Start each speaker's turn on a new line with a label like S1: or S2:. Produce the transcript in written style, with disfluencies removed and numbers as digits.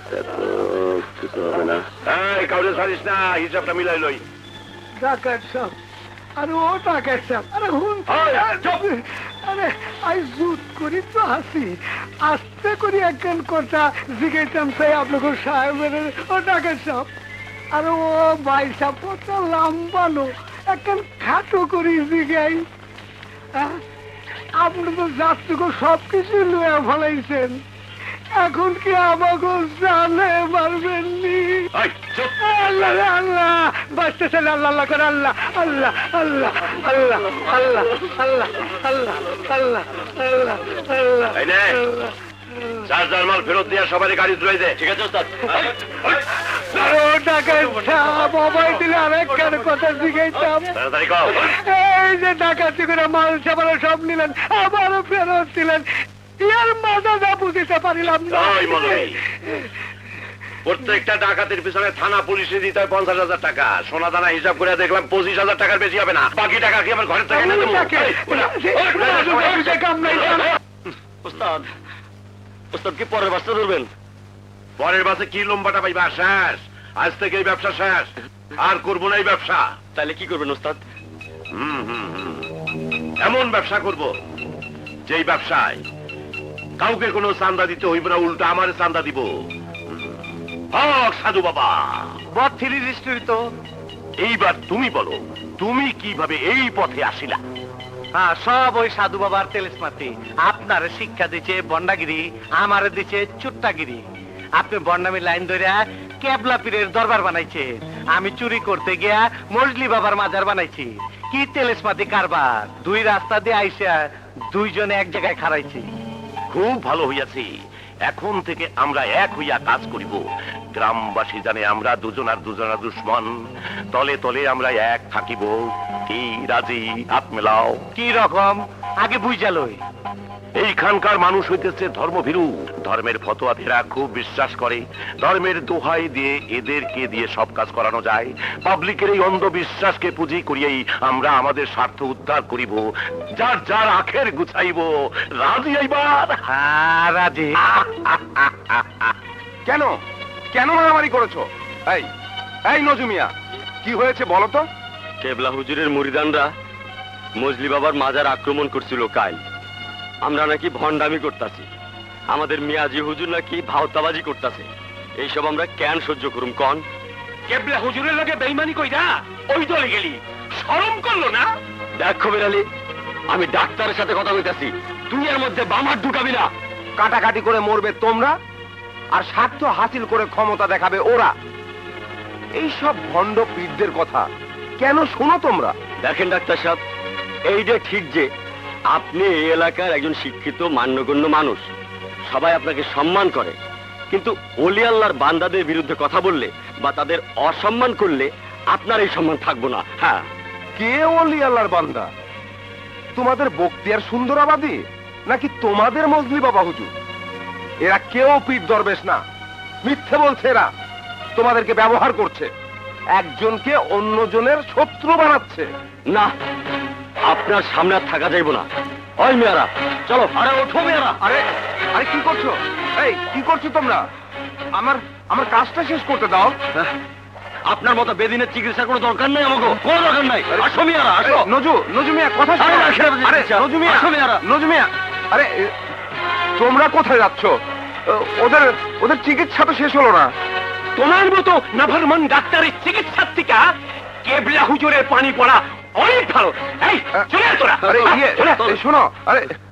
S1: কিছু হবে না। এই কাউরে ছাড়িস না, হিসাবটা মিলাই লই।
S2: ডাকাত সাহেব, আরে ও ডাকাত সাহেব, আরে হুন, আরে আই জুত করি তো হাসি আস্তে করি একখান কথা জিজ্ঞাসাম চাই আপনাকে সাহেবের। ও ডাকাত সাহেব, আরে ও ভাই সাহেব কত লম্বানো একখান খাটো করি জিগাই। আপনি তো যাত্রীকে সবকিছু লুয়ে ফেলাইছেন, এখন কি আমাকে জানে পারবেন নি? আল্লাহ আল্লাহ বাঁচতেছেন, আল্লাহ আল্লাহ করে আল্লাহ আল্লাহ আল্লাহ আল্লাহ আল্লাহ আল্লাহ আল্লাহ আল্লাহ আল্লাহ আল্লাহ।
S1: চার জার মাল ফেরত দিয়ে সবারই গাড়ি তুলে দে। ঠিক আছে ওস্তাদ।
S2: মোবাইল দিলে আরেকখান কথা জিজ্ঞাসাম। এই যে ডাকাতি করে মাল সামাল সব নিলেন, আবারও ফেরত দিলেন, ইয়ার মজা যা বুঝতে পারিলাম না।
S1: প্রত্যেকটা ডাকাতের পিছনে থানা পুলিশে দিতে হয় 50,000 টাকা। সোনা দানা হিসাব করে দেখলাম 25,000 টাকার বেশি হবে না। বাকি টাকা কি আমার ঘরের থেকে এনে দেবো?
S3: ওস্তাদ, ওস্তাদ কি পরের বাসটা ধরবেন?
S1: পরের বাসে কি লম্বাটা পাইবা? শেষ, আজ থেকে এই ব্যবসা শেষ, আর করবো না এই ব্যবসা।
S3: তাহলে কি করবেন ওস্তাদ?
S1: এমন ব্যবসা করব যেই ব্যবসায় কাউকে কোনো চান্দা দিতে হইব না, উল্টা আমার চান্দা দিব। সাধু বাবা
S2: তো
S1: এইবার তুমি বলো, তুমি কিভাবে এই পথে আসিলা?
S2: হ্যাঁ, সব ওই সাধু বাবার তেলেসমাতি। আপনার শিক্ষা দিচ্ছে বন্ডাগিরি, আমারে দিচ্ছে চুট্টাগিরি। আপনি বন্ডামি লাইন ধরে কেবলা পীরের দরবার বানাইছে, আমি চুরি করতে গিয়া মজলি বাবার মাজার বানাইছি। কি তেলেসমাতি কারবার! দুই রাস্তা দিয়ে আইসা দুইজনে এক জায়গায় খাড়াইছি।
S1: খুব ভালো হইয়াছি। এখন থেকে আমরা এক হইয়া কাজ করিব। গ্রামবাসী জানে আমরা দুজনার দুশ্মন। তলে তলে আমরা এক থাকিব। কি রাজি? হাত মেলাও।
S2: কি রকম আগে বুঝালই।
S1: এইখানকার মানুষ হইতেছে ধর্মভীরু। ধর্মের ফতোয়া ফেরা খুব বিশ্বাস করে। ধর্মের দোহাই দিয়ে এদেরকে দিয়ে সব কাজ করানো যায়। পাবলিকের এই অন্ধবিশ্বাসকে পুঁজি করিয়েই আমরা আমাদের স্বার্থ উদ্ধার করিব। যার যার আখের গুছাইব। রাজি এইবার?
S2: হ্যাঁ রাজি।
S1: কেন কেন মারামারি করেছো? এই এই নজুমিয়া, কি হয়েছে বলো তো?
S3: কেবলা হুজুরের মুরিদানরা মজলি বাবার মাজার আক্রমণ করছিল কাল। আমরা নাকি ভণ্ডামি করতেছি, আমাদের মিয়াজি হুজুর নাকি ভাওতাবাজি করতেছে। এইসব আমরা কেন সহ্য করুম কন?
S1: কেবলা হুজুরের লগে বেঈমানি কইরা ওই দলে গেলি, শরম করলো না?
S3: দেখ খবির আলী, আমি ডাক্তারের সাথে কথা কইতাছি, তুই এর মধ্যে বামার ঢুকাবি না।
S1: কাটাকাটি করে মরবে তোমরা, আর স্বার্থ হাসিল করে ক্ষমতা দেখাবে ওরা। এই সব ভণ্ড পীরদের কথা কেন শোনো তোমরা?
S3: দেখেন ডাক্তার সাহেব, এইটা ঠিক যে আপনি এই এলাকার একজন শিক্ষিত মান্যগণ্য মানুষ, সবাই আপনাকে সম্মান করে। কিন্তু ওলি আল্লাহর বান্দাদের বিরুদ্ধে কথা বললে বা তাদের অসম্মান করলে আপনার এই সম্মান থাকবো না। হ্যাঁ,
S1: কে ওলি আল্লাহর বান্দা? তোমাদের বক্তিয়ার সুন্দরাবাদী নাকি তোমাদের মজলি বাবা হুজুর? এরা কেউ পীর দরবেশ না, মিথ্যে বলছে। এরা তোমাদেরকে ব্যবহার করছে, একজনকে অন্যজনের শত্রু বানাচ্ছে।
S3: না, আপনার সামনে আর থাকা যাইব না। ওই মেয়ারা, চলো। আরে ওঠো মেয়ারা।
S1: আরে আরে কি করছো? এই কি করছো তোমরা? আমার আমার কাজটা শেষ করতে দাও।
S3: আপনার মতো বেদিনের চিকিৎসা কোনো দরকার নাই, আমাকে কোনো দরকার নাই। আসো মিয়ারা, আসো।
S1: নজু মিয়া, কথা শোনো। আরে নজু মিয়া,
S3: আসো মিয়ারা।
S1: নজু মিয়া, আরে তোমরা কোথায় যাচ্ছ? ওদের ওদের চিকিৎসা তো শেষ হলো না। তোমার মতো নাফরমান ডাক্তারের চিকিৎসার থেকে কেবলা হুজুরের পানি পড়া অনেক ভালো। এই চলে তোরা। আরে শোনো, আরে